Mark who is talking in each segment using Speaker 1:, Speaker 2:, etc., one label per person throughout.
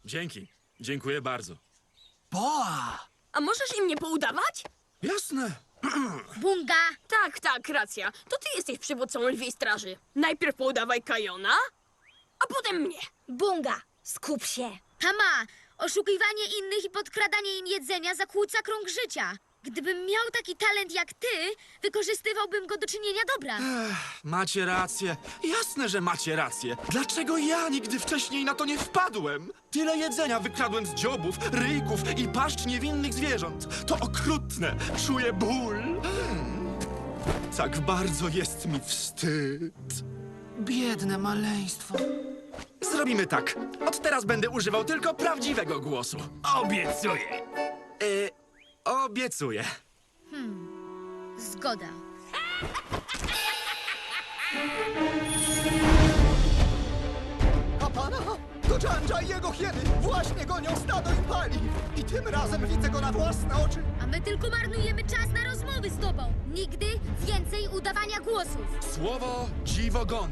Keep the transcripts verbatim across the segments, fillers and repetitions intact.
Speaker 1: Dzięki. Dziękuję bardzo.
Speaker 2: Boa!
Speaker 3: A możesz im nie poudawać?
Speaker 1: Jasne.
Speaker 4: Bunga!
Speaker 3: Tak, tak, racja. To ty jesteś przywódcą lwiej straży. Najpierw poudawaj Kajona, a potem mnie.
Speaker 4: Bunga! Skup się! Tama! Oszukiwanie innych i podkradanie im jedzenia zakłóca krąg życia. Gdybym miał taki talent jak ty, wykorzystywałbym go do czynienia dobra.
Speaker 1: Macie rację. Jasne, że macie rację. Dlaczego ja nigdy wcześniej na to nie wpadłem? Tyle jedzenia wykradłem z dziobów, ryjków i paszcz niewinnych zwierząt. To okrutne. Czuję ból. Hmm. Tak bardzo jest mi wstyd.
Speaker 2: Biedne maleństwo.
Speaker 1: Zrobimy tak. Od teraz będę używał tylko prawdziwego głosu.
Speaker 5: Obiecuję.
Speaker 1: Yy, obiecuję.
Speaker 4: Zgoda.
Speaker 6: Kapana! To Janja i jego hieny! Właśnie gonią stado Impali! I tym razem widzę go na własne oczy!
Speaker 4: A my tylko marnujemy czas na rozmowy z tobą. Nigdy więcej udawania głosów.
Speaker 1: Słowo dziwogona.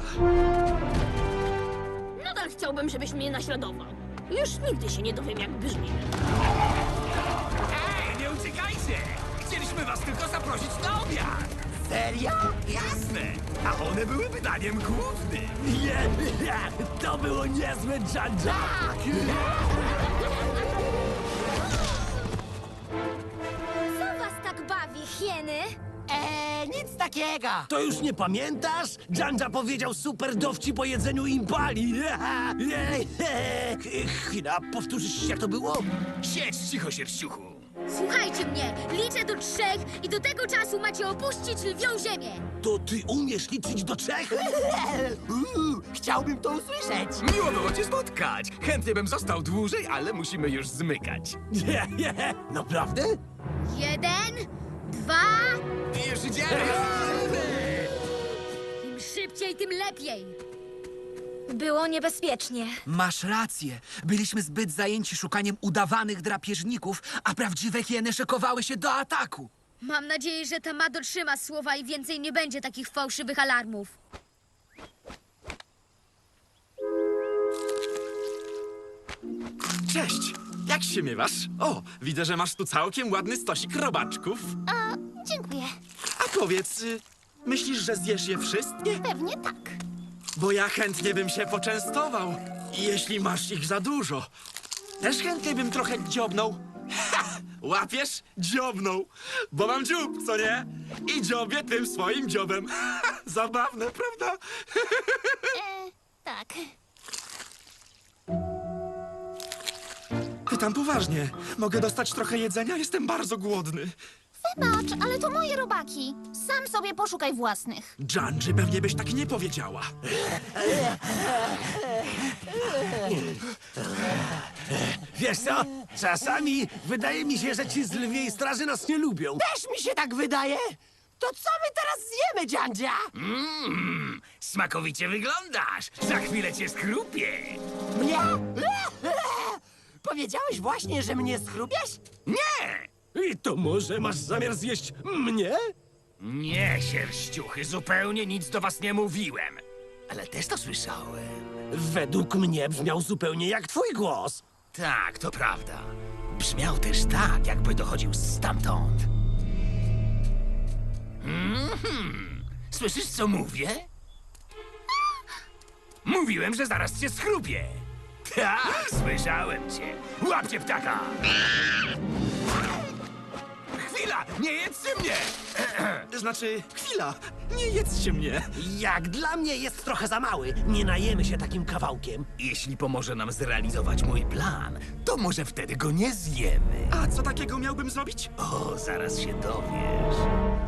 Speaker 3: Nadal chciałbym, żebyś mnie naśladował. Już nigdy się nie dowiem, jak brzmimy.
Speaker 5: Ej, nie uciekajcie! Chcieliśmy was tylko zaprosić na obiad.
Speaker 6: Serio?
Speaker 5: Jasne! A one były pytaniem głównym. Nie, to było niezłe, Janja!
Speaker 4: Co was tak bawi, hieny?
Speaker 6: Eee, nic takiego!
Speaker 7: To już nie pamiętasz? Janja powiedział super dowcip po jedzeniu impali. Chwila, powtórzysz jak to było?
Speaker 5: Siedź cicho, sierściuchu.
Speaker 4: Słuchajcie mnie, liczę do trzech i do tego czasu macie opuścić lwią ziemię.
Speaker 7: To ty umiesz liczyć do trzech?
Speaker 6: Uuu, chciałbym to usłyszeć!
Speaker 5: Miło było cię spotkać. Chętnie bym został dłużej, ale musimy już zmykać.
Speaker 7: Nie, nie, naprawdę?
Speaker 4: Jeden, dwa...
Speaker 5: I już idziemy!
Speaker 4: Im szybciej, tym lepiej.
Speaker 8: Było niebezpiecznie.
Speaker 2: Masz rację. Byliśmy zbyt zajęci szukaniem udawanych drapieżników, a prawdziwe hieny szykowały się do ataku.
Speaker 4: Mam nadzieję, że Tama dotrzyma słowa i więcej nie będzie takich fałszywych alarmów.
Speaker 1: Cześć. Jak się miewasz? O, widzę, że masz tu całkiem ładny stosik robaczków.
Speaker 9: A, dziękuję.
Speaker 1: A powiedz, y, myślisz, że zjesz je wszystkie?
Speaker 9: Pewnie tak.
Speaker 1: Bo ja chętnie bym się poczęstował, jeśli masz ich za dużo. Też chętnie bym trochę dziobnął. Ha! Łapiesz? Dziobnął. Bo mam dziób, co nie? I dziobię tym swoim dziobem. Zabawne, prawda?
Speaker 9: E, tak.
Speaker 1: Pytam poważnie. Mogę dostać trochę jedzenia? Jestem bardzo głodny.
Speaker 9: Wybacz, ale to moje robaki. Sam sobie poszukaj własnych.
Speaker 1: Janji, pewnie byś tak nie powiedziała.
Speaker 7: Wiesz co? Czasami wydaje mi się, że ci z lwiej straży nas nie lubią.
Speaker 6: Też mi się tak wydaje! To co my teraz zjemy, Janja?
Speaker 5: Mmm, smakowicie wyglądasz. Za chwilę cię skrupię.
Speaker 6: Mnie? Powiedziałeś właśnie, że mnie schrubiesz?
Speaker 5: Nie!
Speaker 7: I to może masz zamiar zjeść mnie?
Speaker 5: Nie, sierściuchy, zupełnie nic do was nie mówiłem.
Speaker 7: Ale też to słyszałem. Według mnie brzmiał zupełnie jak twój głos.
Speaker 5: Tak, to prawda. Brzmiał też tak, jakby dochodził stamtąd. Mhm. Słyszysz, co mówię? Mówiłem, że zaraz cię schrupię. Tak, słyszałem cię. Łapcie ptaka! Chwila, nie jedzcie mnie!
Speaker 1: Znaczy, chwila, nie jedzcie mnie.
Speaker 7: Jak dla mnie jest trochę za mały. Nie najemy się takim kawałkiem.
Speaker 5: Jeśli pomoże nam zrealizować mój plan, to może wtedy go nie zjemy.
Speaker 1: A co takiego miałbym zrobić?
Speaker 5: O, zaraz się dowiesz.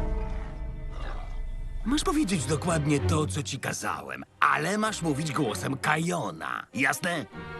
Speaker 5: Masz powiedzieć dokładnie to, co ci kazałem, ale masz mówić głosem Kajona. Jasne?